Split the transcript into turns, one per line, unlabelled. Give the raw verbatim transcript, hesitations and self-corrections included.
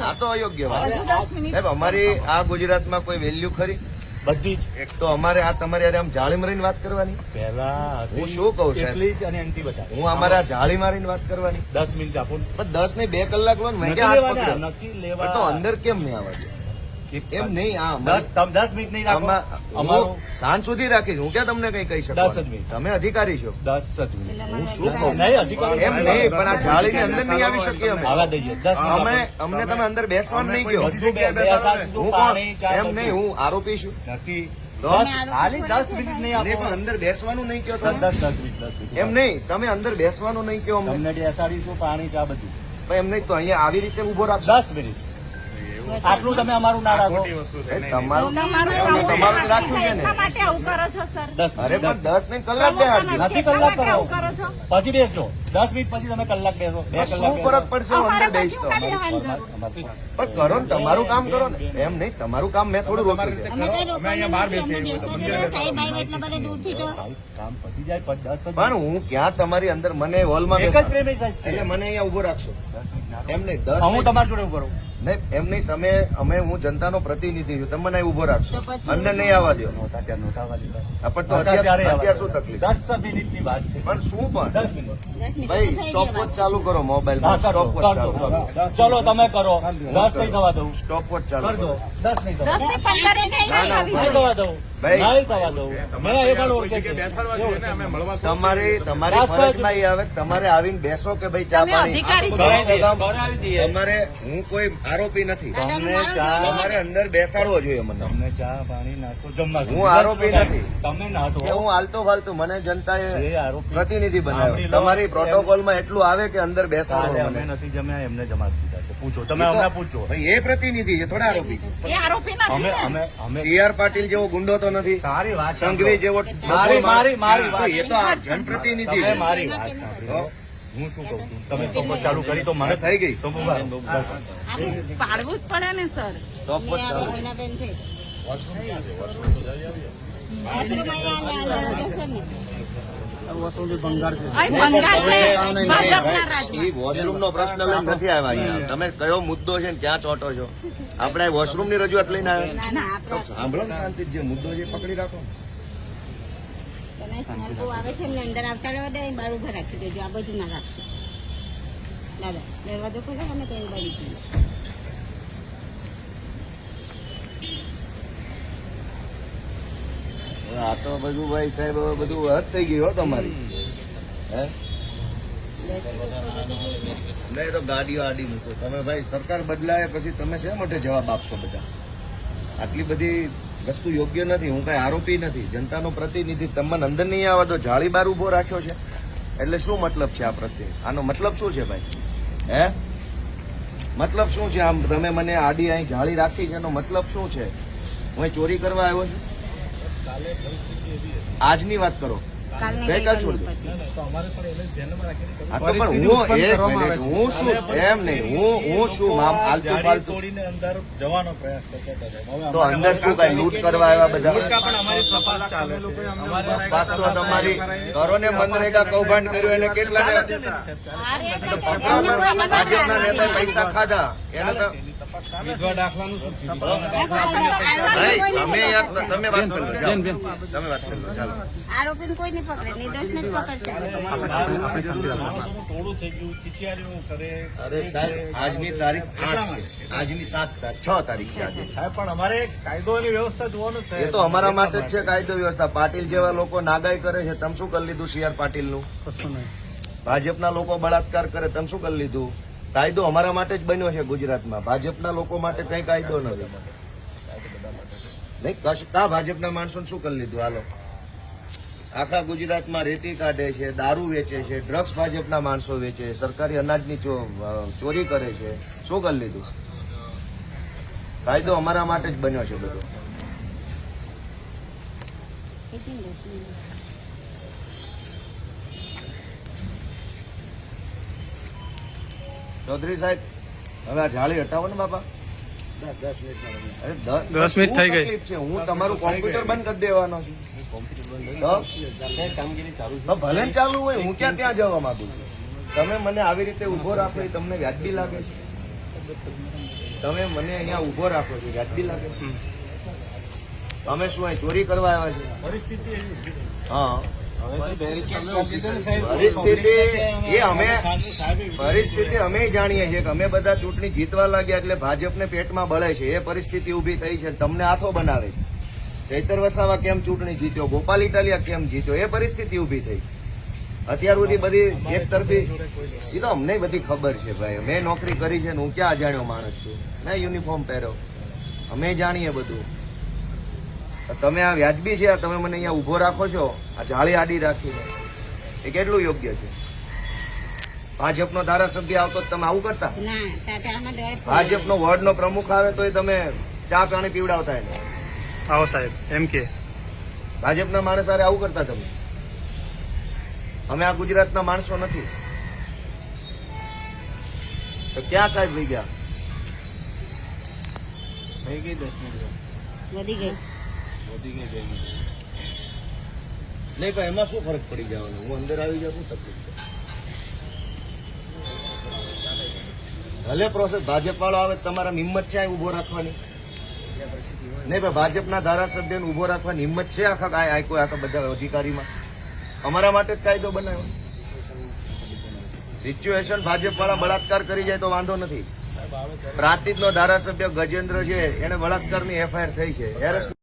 આ તો અયોગ્ય વાત સાહેબ. અમારી આ ગુજરાતમાં કોઈ વેલ્યુ ખરી?
બધી જ.
એક તો અમારે આ તમારે યારે આમ જાળી મારીને વાત કરવાની.
પહેલા
હું શું કહું સાહેબ,
અને એન્ટી બતા
હું અમારા જાળી મારીને વાત કરવાની.
દસ મિનિટ આપો.
પણ દસ ને બે કલાક લો ને મેં ક્યાં હાથ પકડ્યો?
નથી
પણ
લેવા
તો અંદર કેમ નહીં આવવા દે? એમ નહીં. આ અમારી-
દસ દસ મિનિટ નહીં રાખો.
અમારું સાંજ સુધી રાખીશ. હું ક્યાં તમને કઈ કહી શકું?
દસ જ મિનિટ.
તમે અધિકારી છો.
દસ જ મિનિટ.
હું શું કહું?
નહીં અધિકારી
એમ નહીં, પણ આ જાળીની અંદર નહીં આવી શકીએ અમે.
આવવા દઈએ. દસ
અમે અમને તમે અંદર બેસવાનું નહીં કહો.
બધું બે- બે સાત
હું
સુધી
કોણ?
પાણી, ચા
એમ નહીં, હું આરોપી છું.
નથી.
તો
દસ ખાલી દસ મિનિટ નહીં
નહીં,
આપો.
પણ અંદર બેસવાનું નહીં કહો
દસ
તમે.
દસ દસ મિનિટ દસ મિનિટ
એમ નહીં, તમે અંદર બેસવાનું નહીં કહો અમને.
તમને બેસાડીશું પાણી ચા બધું.
પણ એમ નહીં, તો અહીંયા આવી રીતે ઉભો રાખશો.
દસ મિનિટ આટલું તમે અમારું ના રાખો.
એ તમારું તમે તમારું જ રાખ્યું છે ને.
એટલા માટે આવું કરો છો સર?
દસ
અરે
મિનિટ
પણ દસ નહીં, કલાક બેહાડજો.
નથી
એટલા
કલાક
માટે
કરો.
આવું કરો છો?
પછી બેસજો. દસ મિનિટ પછી તમે કલાક બેસો. બે
શું
કલાક
ફરક પડશે હું અંદર
અમારે
બેસ
પછી
તો?
ઉપાડી લેવાની જરૂર.
અમારથી
પણ કરો ને, તમારું કામ કરો ને. એમ નહીં, તમારું કામ મેં થોડું રોક્યું છે.
અમે કઈ રોકવાનું નથી, અમને બેસવા દો. સાહેબ આવ્યા એટલા બધા દૂરથી તો
કામ પતી જાય પણ દસ જ
પણ હું ક્યાં તમારી અંદર મને હોલમાં
એક જ
બેસાડો.
પ્રેમી સાહેબ છે.
એટલે મને અહીંયા ઉભો રાખશો. એમ નહીં, દસ
હું
નહીં.
તમારી જોડે ઉભો રહું.
નહીં, એમ નહીં, તમે અમે હું જનતાનો પ્રતિનિધિ છું. તમે મને અહીં ઉભો રાખશો.
તો પછી-
અંદર નહીં આવવા દો.
નહોતા ત્યાં નહોતા આવવા દીધા.
આ પણ તો
નહોતા
અત્યારે
ત્યારે આવવા
અત્યારે શું
દીધા.
તકલીફ?
દસ મિનિટની વાત છે.
પણ શું પણ
દસ મિનિટ.
દસ મિનિટ
ભાઈ
થઈ
સ્ટોપ
ગયા
વોચ ચાલુ કરો
હા,
મોબાઈલમાં.
કરજો,
સ્ટોપ વોચ ચાલુ
કરજો,
કરો.
કરજો. ચલો તમે કરો. દસ નહીં થવા દઉં.
સ્ટોપ વોચ ચાલુ
કરજો.
કરો.
દસ નહીં થવા
દસ
દઉં.
થી પંદર મિનિટ
ના, ના,
આવી
નહીં
જાય.
થવા દઉં.
ભાઈ.
નહીં થવા દઉં. મેં એ પણ ઓળખે છે.
તમારી તમારી
દસ જ-
ફરજમાં એ આવે કે તમારે આવીને બેસો કે ભાઈ ચા
તમે
પાણી.
અધિકારી છો.
કમ સે કમ
કરાવી દઈએ.
તમારે હું કોઈ આરોપી નથી.
તમને
મારો
ચા
તમારે અંદર બેસાડવો જોઈએ મને.
તમને ચા પાણી નાસ્તો જમવા
હું આરોપી નથી.
તમે નાતો
કે હું હાલતો ફાલતું મને જનતાએ
જે આરોપી
પ્રતિનિધિ
સાંભળી
બનાવ્યો.
લો.
તમારી પ્રોટોકોલમાં એટલું આવે કે અંદર
કાલે
બેસાડો
અમે
મને.
નથી જમ્યા એમને જમા દીધા છે. પૂછો તમે
એ તો-
અમને પૂછો.
ભાઈ એ પ્રતિનિધિ છે, થોડા આરોપી છે.
એ આરોપી નથી
અમે
ને?
અમે અમે
સી આર પાટીલ જેવો ગુંડો તો નથી.
સારી વાત
સંઘવી જેવો
મારી મારી મારી
તો
વાત
એ તો આ જનપ્રતિનિધિ
તમે
છે.
મારી વાત સાંભળો. હું શું કહું છું તમે સ્ટોપ ચાલુ કરી તો મને
થઈ ગઈ.
તો બસ.
પાડવું જ પડે ને સર.
સ્ટોપ વોચ ચાલુ.
બેન છે વોશરૂમ અહીંયા અંદર જશે ને
અહીં બંગાળ છે ભાજપના રાજમાં.
એ વોશરૂમ નો પ્રશ્ન લઈને નથી આવ્યા અહીંયા. તમે કયો મુદ્દો છે ને ક્યાં ચોટો છો? આપણે વોશરૂમ ની રજૂઆત લઈને આવ્યા.
ના આપણા
સાંભળો ને શાંતિ, જે મુદ્દો છે એ પકડી રાખો.
તમે સ્મેલ બહુ આવે છે એમને અંદર આવતા રહેવા દે બહાર ઉભા રાખી દેજો આ બાજુ ના રાખશો દાદા દરવાજો ખોલો અમે તો એવું બારી જઈએ
હવે આ તો બધું ભાઈ સાહેબ હવે બધું હદ થઈ ગયું હો તમારી. હે નહીં તો ગાડીઓ આડી મૂકો તમે ભાઈ. સરકાર બદલાય પછી તમે શા માટે જવાબ આપશો બધા? આટલી બધી વસ્તુ યોગ્ય નથી. હું કઈ આરોપી નથી, જનતાનો પ્રતિનિધિ. તમને અંદર નહીં આવવા દો, જાળી બાર ઉભો રાખ્યો છે એટલે શું મતલબ છે આ પ્રત્યે? આનો મતલબ શું છે ભાઈ? હે મતલબ શું છે? આમ તમે મને આડી અહીં જાળી રાખી છે એનો મતલબ શું છે? હું અહીં ચોરી કરવા આવ્યો છું? આજની વાત કરો, ગઈકાલ છોડ દો. હા તો પણ હું એક મિનિટ, હું શું એમ નહીં, હું હું શું આમ આલતુ ફાલતુ
તોડીને અંદર જવાનો પ્રયાસ કરતા હતા.
તો અંદર શું કઈ લૂંટ કરવા આવ્યા બધા?
પણ અમારી તપાસ ચાલે છે. અમારે
પાસ તો તમારી કરો ને મનરેગા કૌભાંડ કર્યું એને કેટલા
અરે
ભાજપના નેતાએ પૈસા ખાધા એને તો
વિધવા દાખલાનું શું થયું?
ભાઈ, તમે યાર તમે વાત કરો, જાઓ. તમે વાત કરો, ચાલો.
આરોપીને કોઈ નહીં પકડે નિર્દોષને જ પકડશે
થોડું થઈ ગયું ખીચિયારીઓ કરે.
અરે સાહેબ, આજની તારીખ આઠ છે, આજની સાત તારીખ છ તારીખ છે આજે.
સાહેબ પણ અમારે કાયદોની વ્યવસ્થા જોવાનું છે.
એ તો અમારા માટે જ છે કાયદો વ્યવસ્થા. પાટીલ જેવા લોકો નાગાઈ કરે છે, તમે શું કરી લીધું? સી આર પાટીલ નું. ભાજપના લોકો બળાત્કાર કરે, તમે શું કરી લીધું? કાયદો અમારા માટે જ બન્યો છે ગુજરાતમાં. ભાજપના લોકો માટે કઈ કાયદો નથી. નહીં કશ કા ભાજપના માણસો શું કરી લીધું? હાલો, આખા ગુજરાતમાં રેતી કાઢે છે, દારૂ વેચે છે, ડ્રગ્સ ભાજપના માણસો વેચે, સરકારી અનાજની ચો- ચોરી કરે છે. શું કરી લીધું? કાયદો અમારા માટે જ બન્યો છે બધો. ચૌધરી સાહેબ, હવે આ જાળી હટાવો ને બાપા. અરે દસ દસ મિનિટ થઈ ગઈ છે. હું તમારું કોમ્પ્યુટર બંધ કરી દેવાનો છું. તો? તો ભલે ને ચાલુ હોય, હું ક્યાં ત્યાં જવા માંગુ છું? તમે મને આવી રીતે ઉભો રાખો એ તમને વ્યાજબી લાગે છે? તમે મને અહીંયા ઉભો રાખો છો, વ્યાજબી લાગે? અમે શું અહીં ચોરી કરવા આવ્યા છે? હા, પરિસ્થિતિ એ અમે પરિસ્થિતિ અમે જાણીએ છીએ કે અમે બધા ચૂંટણી જીતવા લાગ્યા એટલે ભાજપને પેટમાં બળે છે. એ પરિસ્થિતિ ઉભી થઈ છે. તમને હાથો બનાવે છે. ચૈતર વસાવા કેમ ચૂંટણી જીત્યો, ગોપાલ ઇટાલિયા કેમ જીત્યો, એ પરિસ્થિતિ ઉભી થઈ. અત્યાર સુધી બધી એક તરફી એ તો અમને બધી ખબર છે ભાઈ. મેં નોકરી કરી છે ને હું ક્યાં અજાણ્યો માણસ છું? મેં યુનિફોર્મ પહેર્યો, અમે જાણીએ બધું. તમે આ વ્યાજબી છે, તમે મને અહીંયા ઉભો રાખો છો આ જાળી આડી રાખીને, એ કેટલું યોગ્ય છે? ભાજપનો ધારાસભ્ય આવતો તો તમે આવું કરતા?
ના તાતા આમાં ડર
ભાજપનો વોર્ડનો પ્રમુખ આવે તો તમે ચા પાણી પીવડાવતા એને?
આવો સાહેબ એમ કે
ભાજપના માણસ હારે આવું કરતા તમે? અમે આ ગુજરાતના માણસો નથી તો ક્યાં સાહેબ વહી ગયા?
વધી ગઈ
નહીં પણ એમાં શું ફરક પડી જવાનો? હું અંદર આવી જાઉં, શું તકલીફ છે? ભલે પ્રોસેસ ભાજપ વાળો આવે, તમારા હિંમત છે અહીં ઉભો રાખવાની? નહીં ભાઈ, ભાજપના ધારાસભ્યને ઉભો રાખવાની હિંમત છે આખા આ કોઈ આખા બધા અધિકારીમાં? અમારા માટે જ કાયદો બનાવ્યો. સિચ્યુએશન ભાજપ વાળા બળાત્કાર કરી જાય તો વાંધો નથી. પ્રાંતિજનો ધારાસભ્ય ગજેન્દ્ર છે, એને બળાત્કારની એફઆઈઆર થઈ છે.